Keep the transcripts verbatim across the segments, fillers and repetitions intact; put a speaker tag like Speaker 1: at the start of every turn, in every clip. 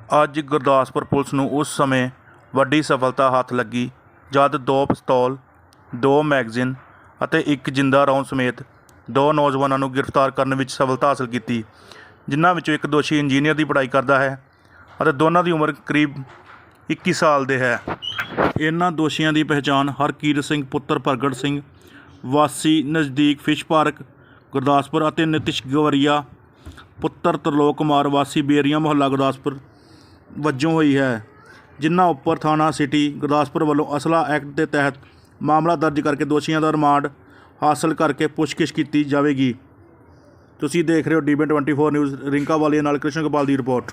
Speaker 1: ਅੱਜ ਗੁਰਦਾਸਪੁਰ ਪੁਲਿਸ ਨੂੰ ਉਸ ਸਮੇਂ ਵੱਡੀ ਸਫਲਤਾ ਹੱਥ ਲੱਗੀ ਜਦ ਦੋ ਪਿਸਤੌਲ, ਦੋ ਮੈਗਜ਼ੀਨ ਅਤੇ ਇੱਕ ਜਿੰਦਾ ਰੌਂਦ ਸਮੇਤ ਦੋ ਨੌਜਵਾਨਾਂ ਨੂੰ ਗ੍ਰਿਫਤਾਰ ਕਰਨ ਵਿੱਚ ਸਫਲਤਾ ਹਾਸਲ ਕੀਤੀ, ਜਿਨ੍ਹਾਂ ਵਿੱਚੋਂ ਇੱਕ ਦੋਸ਼ੀ ਇੰਜੀਨੀਅਰ ਦੀ ਪੜ੍ਹਾਈ ਕਰਦਾ ਹੈ ਅਤੇ ਦੋਨਾਂ ਦੀ ਉਮਰ ਕਰੀਬ ਇੱਕੀ ਸਾਲ ਦੇ ਹੈ। ਇਹਨਾਂ ਦੋਸ਼ੀਆਂ ਦੀ ਪਹਿਚਾਣ ਹਰਕੀਰਤ ਸਿੰਘ ਪੁੱਤਰ ਪ੍ਰਗਟ ਸਿੰਘ ਵਾਸੀ ਨਜ਼ਦੀਕ ਫਿਸ਼ ਪਾਰਕ ਗੁਰਦਾਸਪੁਰ ਅਤੇ ਨਿਤਿਸ਼ ਗਵਰੀਆ ਪੁੱਤਰ ਤਰਲੋਕ ਕੁਮਾਰ ਵਾਸੀ ਬੇਰੀਆਂ ਮੁਹੱਲਾ ਗੁਰਦਾਸਪੁਰ ਵਜੋਂ ਹੋਈ ਹੈ, ਜਿਨ੍ਹਾਂ ਉੱਪਰ ਥਾਣਾ ਸਿਟੀ ਗੁਰਦਾਸਪੁਰ ਵੱਲੋਂ ਅਸਲਾ ਐਕਟ ਦੇ ਤਹਿਤ ਮਾਮਲਾ ਦਰਜ ਕਰਕੇ ਦੋਸ਼ੀਆਂ ਦਾ ਰਿਮਾਂਡ ਹਾਸਲ ਕਰਕੇ ਪੁੱਛਗਿੱਛ ਕੀਤੀ ਜਾਵੇਗੀ। ਤੁਸੀਂ ਦੇਖ ਰਹੇ ਹੋ D B twenty four news. Rinka Walia ਨਾਲ ਕ੍ਰਿਸ਼ਨ ਗੋਪਾਲ ਦੀ ਰਿਪੋਰਟ।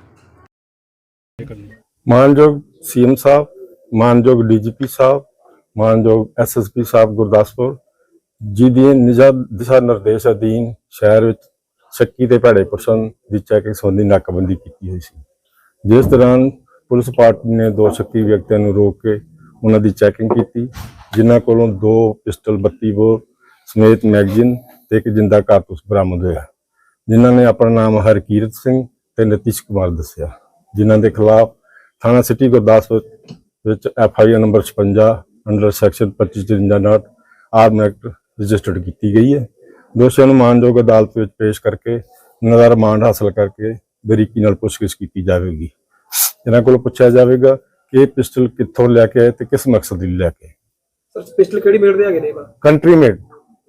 Speaker 2: ਮਾਨਯੋਗ ਸੀ ਐਮ ਸਾਹਿਬ, ਮਾਨਯੋਗ ਡੀ ਜੀ ਪੀ ਸਾਹਿਬ, ਮਾਨਯੋਗ ਐਸ ਐਸ ਪੀ ਸਾਹਿਬ ਗੁਰਦਾਸਪੁਰ ਜੀ ਦੀ ਨਿਜਾ ਦਿਸ਼ਾ ਨਿਰਦੇਸ਼ ਅਧੀਨ ਸ਼ਹਿਰ ਵਿੱਚ ਸ਼ੱਕੀ ਤੇ ਭੈੜੇ ਪਰਸਨ ਦੀ ਚੈਕਿੰਗ ਸੰਬੰਧੀ ਨਾਕਾਬੰਦੀ ਕੀਤੀ ਹੋਈ ਸੀ, ਜਿਸ ਦੌਰਾਨ ਪੁਲਿਸ ਪਾਰਟੀ ਨੇ ਦੋ ਸ਼ੱਕੀ ਵਿਅਕਤੀਆਂ ਨੂੰ ਰੋਕ ਕੇ ਉਹਨਾਂ ਦੀ ਚੈਕਿੰਗ ਕੀਤੀ, ਜਿਨ੍ਹਾਂ ਕੋਲੋਂ ਦੋ ਪਿਸਟਲ ਬੱਤੀ ਬੋਰ ਸਮੇਤ ਮੈਗਜ਼ੀਨ ਤੇ ਇੱਕ ਜਿੰਦਾ ਕਾਰਤੂਸ ਬਰਾਮਦ ਹੋਇਆ, ਜਿਨ੍ਹਾਂ ਨੇ ਆਪਣਾ ਨਾਮ ਹਰਕੀਰਤ ਸਿੰਘ ਤੇ ਨਿਤਿਸ਼ ਕੁਮਾਰ ਦੱਸਿਆ, ਜਿਨ੍ਹਾਂ ਦੇ ਖਿਲਾਫ ਥਾਣਾ ਸਿਟੀ ਗੁਰਦਾਸਪੁਰ ਵਿੱਚ ਐਫ ਆਈ ਆਰ ਨੰਬਰ ਛਪੰਜਾ ਅੰਡਰ ਸੈਕਸ਼ਨ ਪੱਚੀ ਚੁਰੰਜਾ ਨਾਟ ਆਰਮ ਐਕਟ ਰਜਿਸਟਰਡ ਕੀਤੀ ਗਈ ਹੈ। ਦੋਸ਼ੀਆਂ ਨੂੰ ਮਾਨਯੋਗ ਅਦਾਲਤ ਵਿੱਚ ਪੇਸ਼ ਕਰਕੇ ਉਹਨਾਂ ਦਾ ਰਿਮਾਂਡ ਹਾਸਲ ਕਰਕੇ ਬਰੀਕੀ ਨਾਲ ਪੁੱਛਗਿੱਛ ਕੀਤੀ ਜਾਵੇਗੀ। ਇਹਨਾਂ ਕੋਲੋਂ ਪੁੱਛਿਆ ਜਾਵੇਗਾ ਕਿ ਇਹ ਪਿਸਟਲ ਕਿੱਥੋਂ ਲੈ ਕੇ ਆਏ ਤੇ ਕਿਸ ਮਕਸਦ ਲਈ ਲੈ ਕੇ।
Speaker 3: ਸਰ ਪਿਸਟਲ ਕਿਹੜੀ ਮੇਡ ਦੇ ਹੈਗੇ ਨੇ?
Speaker 2: Country made.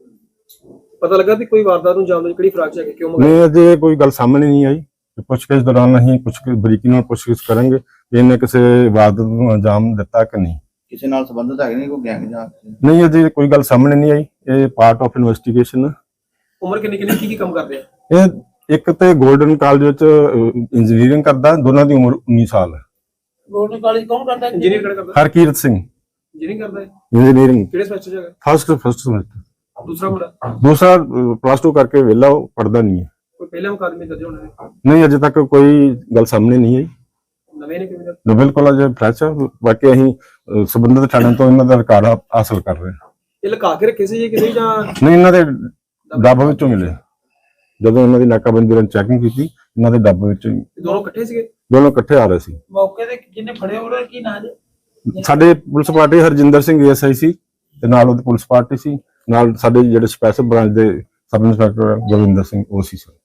Speaker 3: ਪਤਾ ਲੱਗਾ ਕਿ ਕੋਈ ਵਾਰਦਾਤ ਨੂੰ ਜਾਣਦੇ ਕਿਹੜੀ ਫਰਾਕ ਚ ਹੈਗੇ, ਕਿਉਂ ਮੰਗਾਈ?
Speaker 2: ਨਹੀਂ, ਅਜੇ ਕੋਈ ਗੱਲ ਸਾਹਮਣੇ ਨਹੀਂ ਆਈ। ਪੁੱਛਗਿੱਛ ਦੌਰਾਨ ਅਸੀਂ ਪੁੱਛ ਕੇ ਬਰੀਕੀ ਨਾਲ ਪੁੱਛਗਿੱਛ ਕਰਾਂਗੇ ਕਿ ਇਹਨੇ ਕਿਸੇ ਵਾਰਦਾਤ ਨੂੰ ਅੰਜਾਮ ਦਿੱਤਾ ਕਿ ਨਹੀਂ,
Speaker 4: ਕਿਸੇ ਨਾਲ ਸੰਬੰਧਿਤ ਹੈਗੇ ਨੇ, ਕੋਈ ਗੈਂਗ ਜਾਂ
Speaker 2: ਨਹੀਂ। ਅਜੇ ਕੋਈ ਗੱਲ ਸਾਹਮਣੇ ਨਹੀਂ ਆਈ। ਇਹ ਪਾਰਟ ਆਫ ਇਨਵੈਸਟੀਗੇਸ਼ਨ।
Speaker 3: ਉਮਰ ਕਿੰਨੀ ਕਿੰਨੀ ਕੀ ਕੀ ਕੰਮ ਕਰਦੇ ਆ?
Speaker 2: ਇਹ ਇੱਕ ਤੇ ਗੋਲਡਨ ਕਾਲਜ ਵਿੱਚ ਇੰਜੀਨੀਅਰਿੰਗ ਕਰਦਾ, ਦੋਨਾਂ ਦੀ ਉਮਰ ਉੱਨੀ ਸਾਲ ਹੈ।
Speaker 3: ਗੋਲਡਨ ਕਾਲਜ ਕੌਣ ਕਰਦਾ? ਇੰਜੀਨੀਅਰ ਕਿਹੜਾ ਕਰਦਾ?
Speaker 2: ਹਰਕੀਰਤ ਸਿੰਘ
Speaker 3: ਇੰਜੀਨੀਅਰਿੰਗ ਕਰਦਾ ਹੈ।
Speaker 2: ਇੰਜੀਨੀਅਰਿੰਗ
Speaker 3: ਕਿਹੜੇ ਸਮੈਸਟਰ ਚ ਹੈਗਾ?
Speaker 2: First first semester.
Speaker 3: ਦੂਸਰਾ ਮੁੰਡਾ?
Speaker 2: ਦੂਸਰਾ ਪਲੱਸ ਟੂ ਕਰਕੇ ਵਿਹਲਾ, ਉਹ ਪੜਦਾ ਨਹੀਂ ਹੈ।
Speaker 3: ਕੋਈ ਪਹਿਲੇ ਮੁਕਾਦਮੇ ਦਰਜ ਹੋਣੇ ਨੇ?
Speaker 2: ਨਹੀਂ, ਅਜੇ ਤੱਕ ਕੋਈ ਗੱਲ ਸਾਹਮਣੇ ਨਹੀਂ ਆਈ।
Speaker 3: ਨਵੇਂ ਨੇ ਕਿਵੇਂ?
Speaker 2: ਨਾ, ਬਿਲਕੁਲ ਅਜੇ ਫਰੈਸ਼ ਹੈ। ਬਾਕੀ ਅਸੀਂ ਸੰਬੰਧਿਤ ਥਾਣਿਆਂ ਤੋਂ ਇਹਨਾਂ ਦਾ ਰਿਕਾਰਡ ਹਾਸਲ ਕਰ ਰਹੇ ਹਾਂ।
Speaker 3: ਇਹ ਲੁਕਾ ਕੇ ਰੱਖੇ ਸੀ ਜੀ ਕਿਸੇ ਜਾਂ?
Speaker 2: ਨਹੀਂ, ਇਹਨਾਂ ਦੇ ਡੱਬ ਵਿੱਚੋਂ ਮਿਲੇ। ਜਦੋਂ ਇਹਨਾਂ ਦੀ ਨਾਕਾਬੰਦੀ ਦੌਰਾਨ ਚੈਕਿੰਗ ਕੀਤੀ, ਇਹਨਾਂ ਦੇ ਡੱਬ ਵਿੱਚੋਂ।
Speaker 3: ਦੋਨੋਂ ਇਕੱਠੇ ਸੀਗੇ?
Speaker 2: ਦੋਨੋਂ ਇਕੱਠੇ ਆ ਰਹੇ ਸੀ।
Speaker 3: ਮੌਕੇ ਤੇ ਜਿਹਨੇ ਫੜੇ ਉਹਦਾ ਕੀ ਨਾਂ ਜੀ?
Speaker 2: ਸਾਡੇ police party Harjinder Singh A S I ਸੀ ਤੇ ਨਾਲ ਉਹਦੀ ਪੁਲਿਸ ਪਾਰਟੀ ਸੀ, ਨਾਲ ਸਾਡੇ ਜਿਹੜੇ ਸਪੈਸ਼ਲ ਬ੍ਰਾਂਚ ਦੇ ਸਬ ਇੰਸਪੈਕਟਰ ਗੁਰਵਿੰਦਰ ਸਿੰਘ ਉਹ ਸੀ। ਸਰ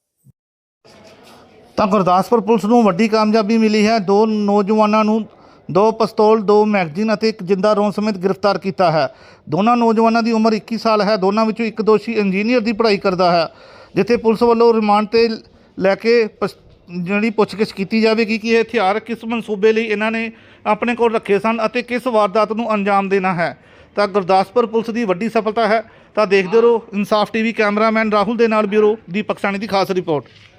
Speaker 5: ਤਾਂ ਗੁਰਦਾਸਪੁਰ ਪੁਲਿਸ ਨੂੰ ਵੱਡੀ ਕਾਮਯਾਬੀ ਮਿਲੀ ਹੈ। ਦੋ ਨੌਜਵਾਨਾਂ ਨੂੰ ਦੋ ਪਿਸਤੌਲ, ਦੋ ਮੈਗਜ਼ੀਨ ਅਤੇ ਇੱਕ ਜਿੰਦਾ ਰੌਂਦ ਸਮੇਤ ਗ੍ਰਿਫਤਾਰ ਕੀਤਾ ਹੈ। ਦੋਨਾਂ ਨੌਜਵਾਨਾਂ ਦੀ ਉਮਰ ਇੱਕੀ ਸਾਲ ਹੈ। ਦੋਨਾਂ ਵਿੱਚੋਂ ਇੱਕ ਦੋਸ਼ੀ ਇੰਜੀਨੀਅਰ ਦੀ ਪੜ੍ਹਾਈ ਕਰਦਾ ਹੈ, ਜਿੱਥੇ ਪੁਲਿਸ ਵੱਲੋਂ ਰਿਮਾਂਡ ਤੇ ਲੈ ਕੇ ਜਿਹੜੀ ਪੁੱਛਗਿੱਛ ਕੀਤੀ ਜਾਵੇਗੀ ਕਿ ਇਹ ਹਥਿਆਰ ਕਿਸ ਮਨਸੂਬੇ ਲਈ ਇਹਨਾਂ ਨੇ ਆਪਣੇ ਕੋਲ ਰੱਖੇ ਸਨ ਅਤੇ ਕਿਸ ਵਾਰਦਾਤ ਨੂੰ ਅੰਜਾਮ ਦੇਣਾ ਹੈ। ਤਾਂ ਗੁਰਦਾਸਪੁਰ ਪੁਲਿਸ ਦੀ ਵੱਡੀ ਸਫਲਤਾ ਹੈ। ਤਾਂ ਦੇਖਦੇ ਰਹੋ ਇਨਸਾਫ ਟੀਵੀ। ਕੈਮਰਾਮੈਨ ਰਾਹੁਲ ਦੇ ਨਾਲ ਬਿਊਰੋ ਦੀਪਕ ਸਾਣੀ ਦੀ ਖਾਸ ਰਿਪੋਰਟ।